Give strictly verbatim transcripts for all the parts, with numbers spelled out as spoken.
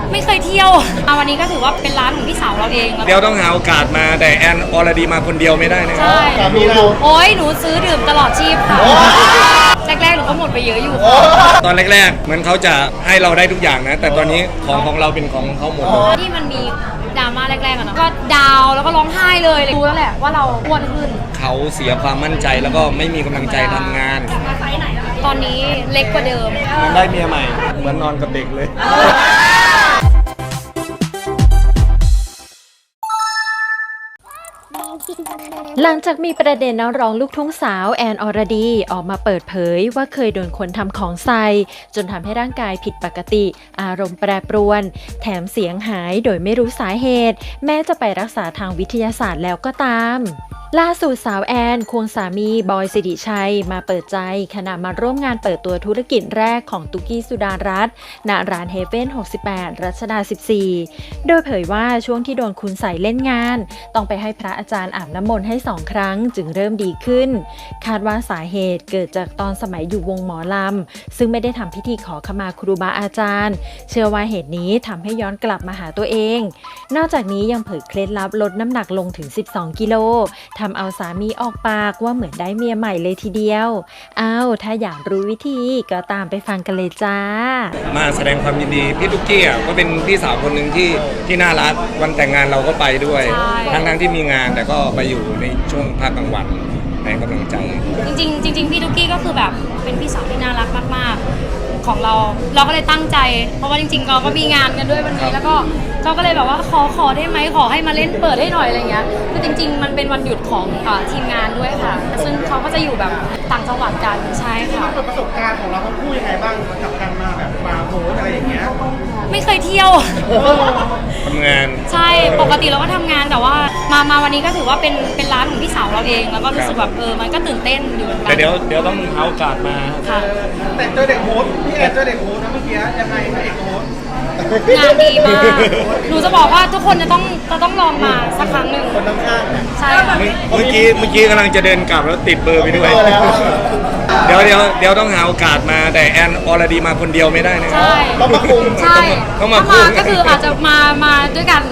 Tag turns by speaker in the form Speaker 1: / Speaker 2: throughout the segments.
Speaker 1: ไม่เคยเที่ยวมาวันนี้ก็ถือว่าเป็นร้านของพี่สาวเราเอง
Speaker 2: เดี๋ยวต้องหาโอกาสมาแต่แอนออลดีมาคนเดียวไม่ได้นะ
Speaker 1: ใช่
Speaker 3: มีเรา
Speaker 1: โอ้ยหนูซื้อดื่มตลอดชีพค่ะแรกๆหนูก็หมดไปเยอะอยู่
Speaker 2: ตอนแรกๆเหมือนเขาจะให้เราได้ทุกอย่างนะแต่ตอนนี้ของของเราเป็นของเขาหมด
Speaker 1: ที่มันมีดราม่าแรกๆอะเนาะก็ดาวแล้วก็ร้องไห้เลยรู้แล้วแหละว่าเราอ้วนขึ้น
Speaker 2: เขาเสียความมั่นใจแล้วก็ไม่มีกำลังใจทำงาน
Speaker 1: ตอนนี้เล็กกว่าเดิม
Speaker 2: เหมือนได้เมียใหม่เหมือนนอนกับเด็กเลย
Speaker 4: หลังจากมีประเด็นนักร้องลูกทุ่งสาวแอนอรดีออกมาเปิดเผยว่าเคยโดนคนทำของใส่จนทำให้ร่างกายผิดปกติอารมณ์แปรปรวนแถมเสียงหายโดยไม่รู้สาเหตุแม้จะไปรักษาทางวิทยาศาสตร์แล้วก็ตามล่าสุดสาวแอนควงสามีบอยสิริชัยมาเปิดใจขณะมาร่วมงานเปิดตัวธุรกิจแรกของตุกกี้สุดารัตน์ณร้านเฮเว่นหกสิบแปดรัชดาสิบสี่โดยเผยว่าช่วงที่โดนคุณใส่เล่นงานต้องไปให้พระอาจารย์อาบน้ำมนต์ให้สองครั้งจึงเริ่มดีขึ้นคาดว่าสาเหตุเกิดจากตอนสมัยอยู่วงหมอลำซึ่งไม่ได้ทำพิธีขอขมาครูบาอาจารย์เชื่อว่าเหตุนี้ทำให้ย้อนกลับมาหาตัวเองนอกจากนี้ยังเผยเคล็ดลับลดน้ำหนักลงถึงสิบสองกิโลทำเอาสามีออกปากว่าเหมือนได้เมียใหม่เลยทีเดียวอ้าวถ้าอยากรู้วิธีก็ตามไปฟังกันเลยจ้า
Speaker 2: มาแสดงความยินดีพี่ตุ๊กกี้อ่ะก็เป็นพี่สาวคนหนึ่งที่ที่น่ารักวันแต่งงานเราก็ไปด้วยทั้งทั้งที่มีงานแต่ก็ไปอยู่ในช่วงภาคกลางวันให้กำลังใจ
Speaker 1: จริงๆจริงๆพี่ตุ๊กกี้ก็คือแบบเป็นพี่สาวที่น่ารักมากๆของเราเราก็เลยตั้งใจเพราะว่าจริงๆเราก็มีงานกันด้วยวันนี้แล้วก็เราก็เลยแบบว่าขอขอได้ไหมขอให้มาเล่นเปิดให้หน่อยอะไรเงี้ยคือจริงๆมันเป็นวันหยุดของทีมงานด้วยค่ะซึ่งเขาก็จะอยู่แบบต่างจังหวัดกันใช่ค่ะ
Speaker 3: มันเป็นประสบการณ์ของเราทั้งคู่ยังไงบ้างกับการมาแบบมาโพสอะไรอย่างเงี้ย
Speaker 1: ไม่เคยเที่ยว
Speaker 2: ทำงาน
Speaker 1: ใช่ปกติเราก็ทำงานแต่ว่ามามาวันนี้ก็ถือว่าเป็นเป็นร้านของพี่สาวเราเองแล้วก็รู้สึกแบบเออมันก็ตื่นเต้นอยู่เหมือนกัน
Speaker 2: แต่เดี๋ยวเดี๋ยวต้องหาโอกาสมา
Speaker 1: ค่ะ
Speaker 3: แต่เจอเด็กโพสพี่แอนเจอเด็กโพสนะเมื่อกี้ยังไงเด็กโพส
Speaker 1: งานดีมากหนูจะบอกว่าทุกคนจะต้องจะต้องลองมาสักครั้งหนึ่ง
Speaker 3: คนข้างๆ
Speaker 1: ใช่
Speaker 2: เมื่อกี้เมื่อกี้กำลังจะเดินกลับแล้วติดเบอร์ไปด้วยเดี๋ยวเดี๋ยวเดี๋ยวต้องหาโอกาสมาแต่แอนออลดีมาคนเดียวไม่ได้นะ
Speaker 1: ใช่
Speaker 3: ต้องมาคุม
Speaker 1: ใช่ถ้ามาก็คืออาจจะมามาด้วยกัน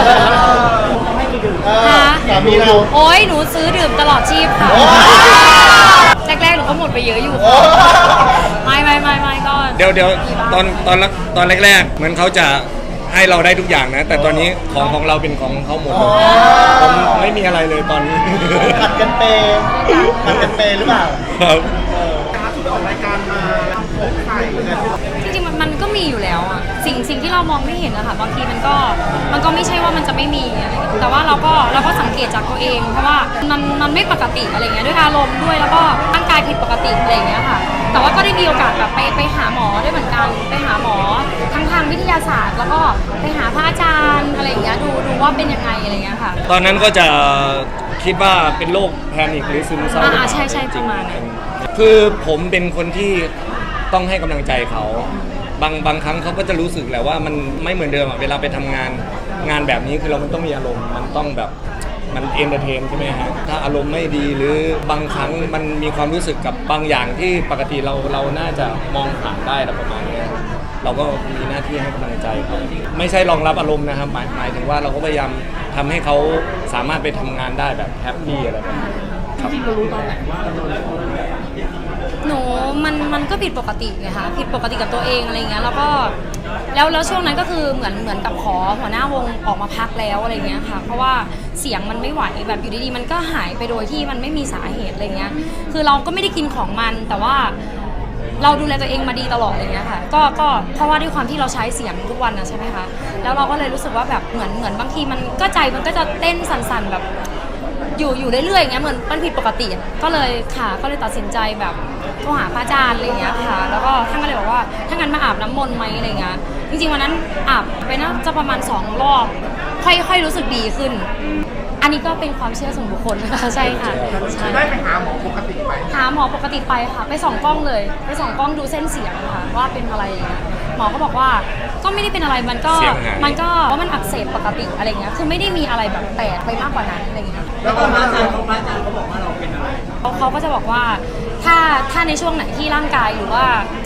Speaker 3: สามีเรา
Speaker 1: โอ้ยหนูซื้อดื่มตลอดชีพค่ะแรกๆหนูก็หมดไปเยอะอยู่ไม่ไม่ไม่ไม่ก็
Speaker 2: เดี๋ยวเดี๋ยวตอนตอนตอนแรกๆเหมือนเขาจะให้เราได้ทุกอย่างนะแต่ตอนนี้ของของเราเป็นของเขาหมดผมไม่มีอะไรเลยตอนนี้
Speaker 3: ผัดกันเปย์ผัดกันเปย์หรือเปล่า
Speaker 2: ครับ
Speaker 3: ล่าสุดออกรายการมาโพสไข่
Speaker 1: จริงๆมันมันก็มีอยู่แล้วอะสิ่งสิ่งที่เรามองไม่เห็นอะค่ะบางทีมันก็มันก็ไม่ใช่ว่ามันจะไม่มีอะไรแต่ว่าเราก็เราก็สังเกตจากตัวเองเพราะว่ามันมันไม่ปกติอะไรเงี้ยด้วยอารมณ์ด้วยแล้วก็ร่างกายผิดปกติอะไรเงี้ยค่ะแต่ว่าก็ได้มีโอกาสแบบไปไปหาหมอด้วยเหมือนกันไปหาหมอทั้งทางวิทยาศาสตร์แล้วก็ไปหาพระอาจารย์อะไรเงี้ยดูดูว่าเป็นยังไงอะไรเงี้ยค่ะ
Speaker 2: ตอนนั้นก็จะคิดว่าเป็นโรคแพนิคหรือซึมเศร้า
Speaker 1: อ่าใช่ใช่ประมาณนั้น
Speaker 2: คือผมเป็นคนที่ต้องให้กำลังใจเขาบางบางครั้งเขาก็จะรู้สึกแหละว่ามันไม่เหมือนเดิมอ่ะเวลาไปทำงานงานแบบนี้คือเรามันต้องมีอารมณ์มันต้องแบบมันเอนเตอร์เทนใช่ไหมฮะถ้าอารมณ์ไม่ดีหรือบางครั้งมันมีความรู้สึกกับบางอย่างที่ปกติเราเราน่าจะมองผ่านได้แล้วประมาณนี้เราก็มีหน้าที่ให้กำลังใจเขาไม่ใช่รองรับอารมณ์นะครับหมายหมายถึงว่าเราก็พยายามทำให้เขาสามารถไปทำงานได้แบบแฮปปี้อะไรแบบนี้
Speaker 3: จริงๆเรารู้ตอนไหนว่าเราโดนอะไร
Speaker 1: หนูมันมันก็ผิดปกติไงคะผิดปกติกับตัวเองอะไรเงี้ยแล้วก็แล้วแล้วช่วงนั้นก็คือเหมือนเหมือนกับขอหัวหน้าวงออกมาพักแล้วอะไรเงี้ยค่ะเพราะว่าเสียงมันไม่ไหวแบบอยู่ดีๆมันก็หายไปโดยที่มันไม่มีสาเหตุอะไรเงี้ยคือเราก็ไม่ได้กินของมันแต่ว่าเราดูแลตัวเองมาดีตลอดอะไรเงี้ยค่ะก็ก็เพราะว่าด้วยความที่เราใช้เสียงทุกวันนะใช่ไหมคะแล้วเราก็เลยรู้สึกว่าแบบเหมือนเหมือนบางทีมันก็ใจมันก็จะเต้นสั่นๆแบบอยู่อยู่เรื่อยๆอย่างเงี้ยเหมือนมันผิดปกติก็เลยค่ะก็เลยตัดสินใจแบบโทรหาพระอาจารย์อะไรเงี้ยค่ะแล้วก็ท่านก็เลยบอกว่าถ้างั้นมาอาบน้ำมนต์ไหมอะไรเงี้ยจริงๆวันนั้นอาบไปน่าจะประมาณสองรอบค่อยๆรู้สึกดีขึ้นอันนี้ก็เป็นความเชื่อส่วนบุคคลนะคะใช่ค่ะ
Speaker 3: ได้ไปหาหมอปกติไหม
Speaker 1: หาหมอปกติไปค่ะไปส่องกล้องเลยไปส่องกล้องดูเส้นเสียงค่ะว่าเป็นอะไรหมอก็บอกว่าก็ไม่ได้เป็นอะไรมันก็มันก็ว่ามันอักเสบปกติอะไรเงี้ยคือไม่ได้มีอะไรแบบแปลกไปมากกว่านั้นอะไรเงี้ย
Speaker 3: แล้วพระอาจารย์เขาพระอาจารย์เขาบอกว่าเราเป็นอะไร
Speaker 1: เขาเขาก็จะบอกว่าถ้าถ้าในช่วงไหนที่ร่างกายหรือว่า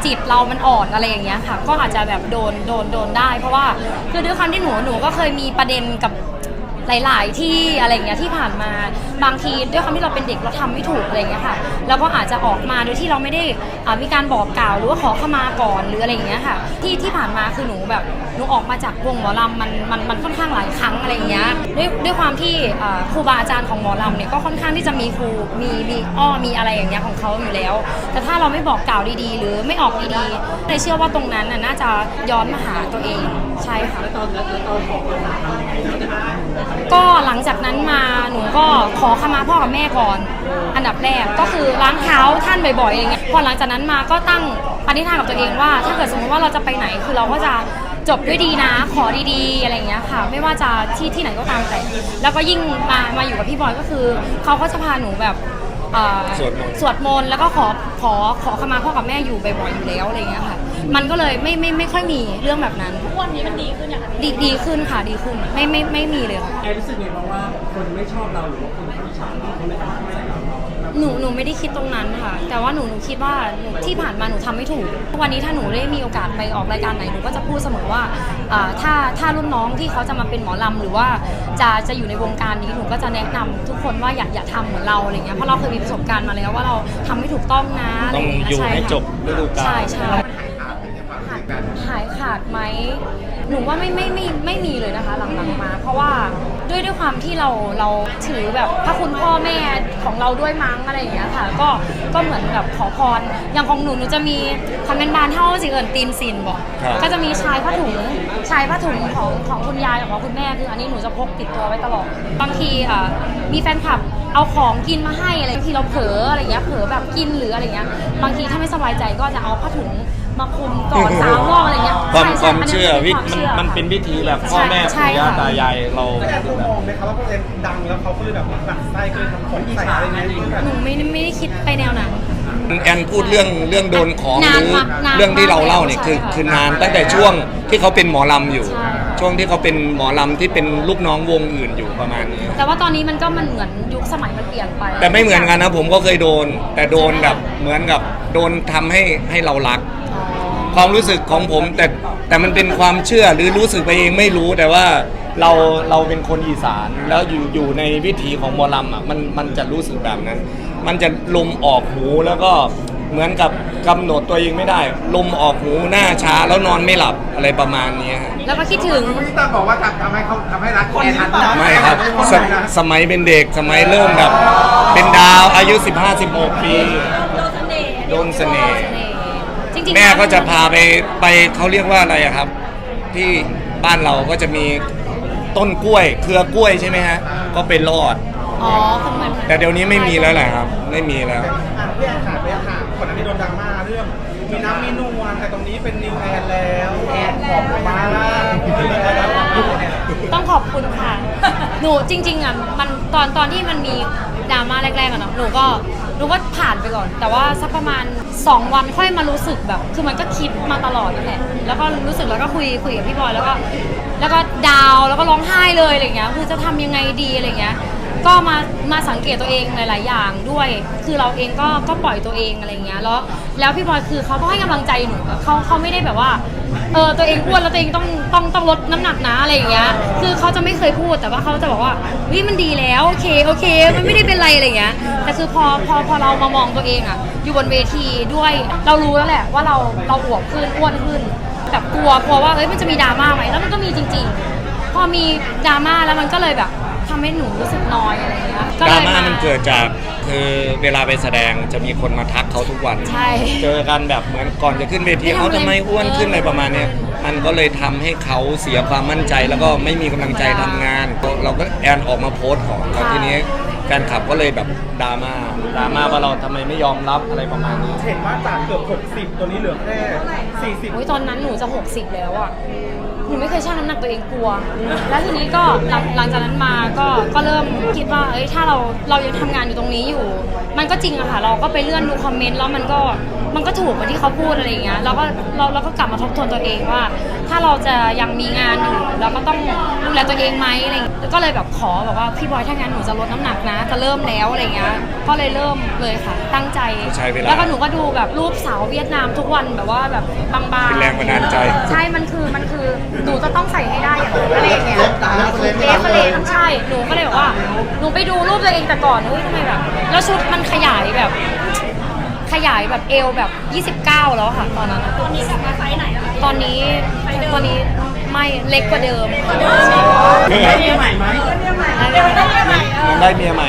Speaker 1: จิตเรามันอ่อนอะไรอย่างเงี้ยค่ะก็อาจจะแบบโดนโดนโดนได้เพราะว่าคือด้วยความที่หนูหนูก็เคยมีประเด็นกับหลายๆที่อะไรอย่างเงี้ยที่ผ่านมาบางทีด้วยความที่เราเป็นเด็กเราทำไม่ถูกอะไรอย่างเงี้ยค่ะแล้วก็อาจจะออกมาโดยที่เราไม่ได้อ่ามีการบอกกล่าวหรือว่าขอขมาก่อนหรืออะไรอย่างเงี้ยค่ะที่ที่ผ่านมาคือหนูแบบหนูออกมาจากวงหมอลำมันมันมันค่อนข้างหลายครั้งอะไรอย่างเงี้ยด้วยด้วยความที่อ่าครูบาอาจารย์ของหมอลำเนี่ยก็ค่อนข้างที่จะมีครูมีมีอ้อมีอะไรอย่างเงี้ยของเขาอยู่แล้วแต่ถ้าเราไม่บอกกล่าวดีๆ หรือไม่ออกดีๆเลยเชื่อว่าตรงนั้นน่ะน่าจะย้อนมาหาตัวเองใช่ค่ะก็หลังจากนั้นมาหนูก็ขอขมาพ่อกับแม่ก่อนอันดับแรกก็คือล้างเท้าท่านบ่อยๆอะไรเงี้ยพอหลังจากนั้นมาก็ตั้งปณิธานกับตัวเองว่าถ้าเกิดสมมติว่าเราจะไปไหนคือเราก็จะจบด้วยดีนะขอดีๆอะไรอย่างเงี้ยค่ะไม่ว่าจะที่ที่ไหนก็ตามแต่แล้วก็ยิ่งมามาอยู่กับพี่บอยก็คือเขาก็จะพาหนูแบบเอ่อ
Speaker 2: สวดมนต์
Speaker 1: สวดมนต์แล้วก็ขอขอขอขมาพ่อกับแม่อยู่บ่อยๆอยู่แล้วอะไรเงี้ยค่ะมันก็เลยไม่ไม่ไม่ค่อยมีเรื่องแบบนั้นวันนี้มันดีขึ้นอย่างดีดีขึ้นค่ะดีขึ้นไม่ไม่ไม่มีเลยค่ะ
Speaker 3: แอนรู้สึกไงบ้างว่าคนไม่ชอบเราหรือว่าคนเขาอิจฉาเราเขาเลยทำให้ใส่เรา
Speaker 1: หนูหนูไม่ได้คิดตรงนั้นค่ะแต่ว่าหนูหนูคิดว่าหนูที่ผ่านมาหนูทำไม่ถูกวันนี้ถ้าหนูได้มีโอกาสไปออกรายการไหนหนูก็จะพูดเสมอว่าอ่าถ้าถ้ารุ่นน้องที่เขาจะมาเป็นหมอลำหรือว่าจะจะอยู่ในวงการนี้หนูก็จะแนะนำทุกคนว่าอย่าอย่าทำเหมือนเราอะไรเงี้ยเพราะเราเคยมีประสบการณ์มาแล้วว่าเราทำไม่ถูกต้องนะอะไร
Speaker 2: ต้อง
Speaker 1: เงี้
Speaker 2: อยู่
Speaker 1: ช่
Speaker 2: ให้
Speaker 1: ค่ะ
Speaker 2: จบฤดูกาล
Speaker 1: ใช่ใช่หายขาดไหมหนูว่าไม่ไม่ไม่ไม่มีเลยนะคะหลังๆมา เพราะว่าด้วยด้วยความที่เราเราถือแบบพระคุณพ่อแม่ของเราด้วยมั้งอะไรอย่างเงี้ยค่ะก็ก็เหมือนแบบขอพรอย่างของหนูหนูจะมีคำเป็นบานเท่าสิเอิญตีนซินบอก
Speaker 2: ครับ
Speaker 1: ก็จะมีชายผ้าถุงชายผ้าถุงของของคุณยายกับของคุณแม่คืออันนี้หนูจะพกติดตัวไว้ตลอดบางทีอ่ะมีแฟนคลับเอาของกินมาให้อะไรบางทีเราเผลออะไรเงี้ยเผลอแบบกินหรืออะไรเงี้ยบางทีถ้าไม่สบายใจก็จะเอาผ้าถุงมาคลุมก่อนสามรอบอะไรเงี้ย
Speaker 2: ความ
Speaker 1: ใช่
Speaker 2: ค
Speaker 1: ใช่
Speaker 2: วาม
Speaker 1: นนี้
Speaker 2: เชื่อ
Speaker 1: ป็
Speaker 2: วิ
Speaker 1: ความ
Speaker 2: มัน
Speaker 1: เชื่อ
Speaker 2: มันเป็นวิธีแบบพ่อแม่
Speaker 1: ใช่
Speaker 2: ปู่ย่า
Speaker 1: ค่ะ
Speaker 2: ตายายเรา
Speaker 3: แต่แอนเขามองไหมคะว่าพวกเอ็นดังแล้วเขาก็เลยแบบหนักไส้ก็เลยทำของใส่อะไรเงี้ยแบบ
Speaker 1: หนูไม่ไม่ได้คิดไปแนวนั้น
Speaker 2: แอนพูดเรื่องเรื่องโดนของห
Speaker 1: นาน
Speaker 2: รือ
Speaker 1: มากนาน
Speaker 2: เรื่องที่เราเล่าเนี่ย
Speaker 1: มาก
Speaker 2: คือ
Speaker 1: ใช่ค่ะ
Speaker 2: คือนานตั้งแต่ช่วงที่เขาเป็นหมอลำอยู่
Speaker 1: ใช่
Speaker 2: ช่วงที่เขาเป็นหมอลำที่เป็นลูกน้องวงอื่นอยู่ประมาณนี้
Speaker 1: แต่ว่าตอนนี้มันก็มันเหมือนยุคสมัยมันเปลี่ยนไป
Speaker 2: แต่ไม่เหมือนกันนะผมก็เคยโดน แต่โดนแบบเหมือนกับโดนทำให้ให้เรารัก
Speaker 1: อ๋อ
Speaker 2: ความรู้สึกของผมแต่แต่มันเป็นความเชื่อหรือรู้สึกไปเองไม่รู้แต่ว่าเราเราเป็นคนอีสานแล้วอยู่อยู่ในวิถีของหมอลำอ่ะมันมันจะรู้สึกแบบนั้น มันจะลมออกหูแล้วก็เหมือนกับกำหนดตัวเองไม่ได้ ลมออกหูหน้าช้าแล้วนอนไม่หลับอะไรประมาณนี้ฮะ
Speaker 1: แล้วก็คิดถึง
Speaker 3: พี่ตั้มบอกว่าทำทำให้เขาทำให้รักแอนทันนะ
Speaker 2: ไม่ครับสสมัยเป็นเด็กสมัยเริ่มแบบ เป็นดาวอายุ สิบห้า สิบหก ปีโดนเสน่ห์
Speaker 1: จริงๆ
Speaker 2: แม่ก็จะพาไปไปเขาเรียกว่าอะไรอะครับ ที่บ้านเราก็จะมีต้นกล้วย เครือกล้วยใช่ไหมฮะ ก็ไปรอด
Speaker 1: อ๋อคือมัน
Speaker 2: แต่เดี๋ยวนี้ไม่มีแล้วแหละครับ ไม่มีแล้ว
Speaker 3: อ่ะพี่แอนขาดไปค่ะก่อนหน้านี้โดนดราม่าเรื่องมีน้ำมีนวลแต่ตรงนี้เป็นนิวแอนแล้วแอนขอบมาล่า
Speaker 1: ต้องขอบคุณค่ะ หนูจริงๆอ่ะมันตอนตอนที่มันมีดราม่าแรกๆอะเนาะหนูก็หนูก็ผ่านไปก่อน แต่ว่าสักประมาณสองวันค่อยมารู้สึกแบบ คือมันก็คิดมาตลอดนั่นแหละแล้วก็รู้สึกแล้วก็คุยคุยกับพี่บอยแล้วก็แล้วก็ดาวแล้วก็ร้องไห้เลยอะไรเงี้ยคือจะทำยังไงดีอะไรเงี้ยก็มามาสังเกตตัวเองหลายๆอย่างด้วย คือเราเองก็ก็ปล่อยตัวเองอะไรเงี้ยแล้วแล้วพี่บอยคือเขาก็ให้กำลังใจหนูอะเขาเขาไม่ได้แบบว่าเออตัวเองอ้วนแล้วตัวเองต้องต้องต้องลดน้ำหนักนะอะไรอย่างเงี้ยคือเขาจะไม่เคยพูดแต่ว่าเขาจะบอกว่าวิมันดีแล้วโอเคโอเคมันไม่ได้เป็นไรอะไรเงี้ยแต่คือพอพอพอเรามามองตัวเองอะอยู่บนเวทีด้วยเรารู้แล้วแหละว่าเราเราอวบขึ้นอ้วนขึ้นแบบกลัวกลัวว่าเอ้ยมันจะมีดราม่าไหมแล้วมันก็มีจริงๆพอมีดราม่าแล้วมันก็เลยแบบทำให้หนูรู้สึกน้อยอะไรอย่างเงี้ย
Speaker 2: ดราม่ามันเกิดจากคือเวลาไปแสดงจะมีคนมาทักเขาทุกวัน
Speaker 1: ใช่
Speaker 2: เจอกันแบบเหมือนก่อนจะขึ้นเวที
Speaker 1: ไม่ทำ
Speaker 2: เขา
Speaker 1: อะไร
Speaker 2: ทำไมอ้วนขึ้นอะไรประมาณเนี้ยมันก็เลยทำให้เขาเสียความมั่นใจแล้วก็ไม่มีกำลังใจทำงาน เราก็แอนออกมาโพสต์ของแล้วทีนี้แฟนคลับก็เลยแบบดราม่าดราม่าว่าเราทำไมไม่ยอมรับอะไรประมาณนี้
Speaker 3: เห็นว่าจากเกือบหกสิบตัวนี้เหลือแค่สี่สิบ
Speaker 1: โอ้ยตอนนั้นหนูจะหกสิบแล้วอ่ะนูไม่เคยชั่งน้ำหนักตัวเองกลัว แล้วทีนี้ก็หลังหลังจากนั้นมาก็ก็เริ่มคิดว่าเอ้ยถ้าเราเรายังทำงานอยู่ตรงนี้อยู่ มันก็จริงอะค่ะเราก็ไปเลื่อนดูคอมเมนต์แล้วมันก็มันก็ถูกเหมือนที่เขาพูดอะไรอย่างเงี้ยเราก็เราเราก็กลับมาทบทวนตัวเองว่า ถ้าเราจะยังมีงานอยู่เราก็ต้องดูแลตัวเองไหมอะไรอย่างเงี้ยก็เลยแบบขอแบบว่าพี่บอยถ้างั้นหนูจะลดน้ำหนักนะจะเริ่มแล้วอะไรเงี้ยก็เลยเริ่มเลยค่ะตั้งใจ
Speaker 2: ใช้เวลา
Speaker 1: แล้วก็หนูก็ดูแบบรูปสาวเวียดนามทุกวันแบบว่าแบบบางๆ
Speaker 2: เป็นแรงบันดาลใจ
Speaker 1: ใช่ มันคือ มันคือ หนูจะต้องใส่ให้ได้อย่างอะไรอย่างเงี้ยเลฟเลฟใช่ หนูก็เลยแบบว่า หนูไปดูรูปตัวเองแต่ก่อนเฮ้ยทำไมแบบ แล้วชุดมันขยายแบบ ขยายแบบเอวแบบยี่สิบเก้าแล้วค่ะตอนนั้น ตอนนี้กลับมาไซส์ไหนแล้วตอนนี้ ตอนนี้ไม่เล็กกว่าเดิม
Speaker 3: ได้เมียใหม่ไหม
Speaker 2: ได้เมียใหม่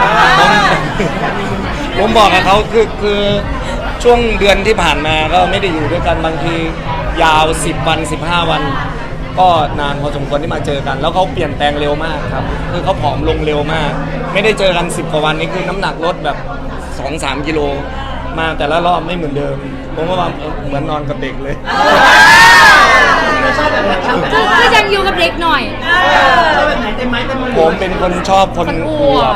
Speaker 2: ผมผมบอกกับเขาคือคือช่วงเดือนที่ผ่านมาก็ไม่ได้อยู่ด้วยกันบางทียาวสิบวันสิบห้าวัน ก็นานพอสมควรที่มาเจอกัน แล้วเขาเปลี่ยนแปลงเร็วมากครับคือเขาผอมลงเร็วมาก ไม่ได้เจอกันสิบกว่าวันนี้คือน้ำหนักลดแบบ สองสาม กิโลมาแต่ละรอบไม่เหมือนเดิมผมก็ว่าเออเหมือนนอนกับเด็กเลย
Speaker 1: คือคือยังอยู่กับเด็กหน่อย
Speaker 3: ชอบแบบไหนเต็มไม้เต็มมือ
Speaker 2: ผมเป็นคนชอบคน
Speaker 1: คนอ
Speaker 2: อ
Speaker 1: ว
Speaker 2: ว
Speaker 1: บบ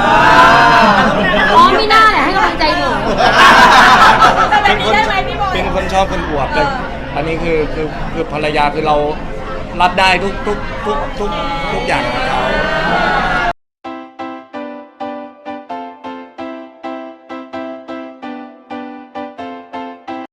Speaker 1: อ๋อไม่น่าแหละให้กำลังใจหนู
Speaker 2: เป็นคนเป็นคนชอบคนอวบแต่อันนี้คือคือคือภรรยาคือเรารับได้ทุกทุกทุกทุกทุกอย่างของเขา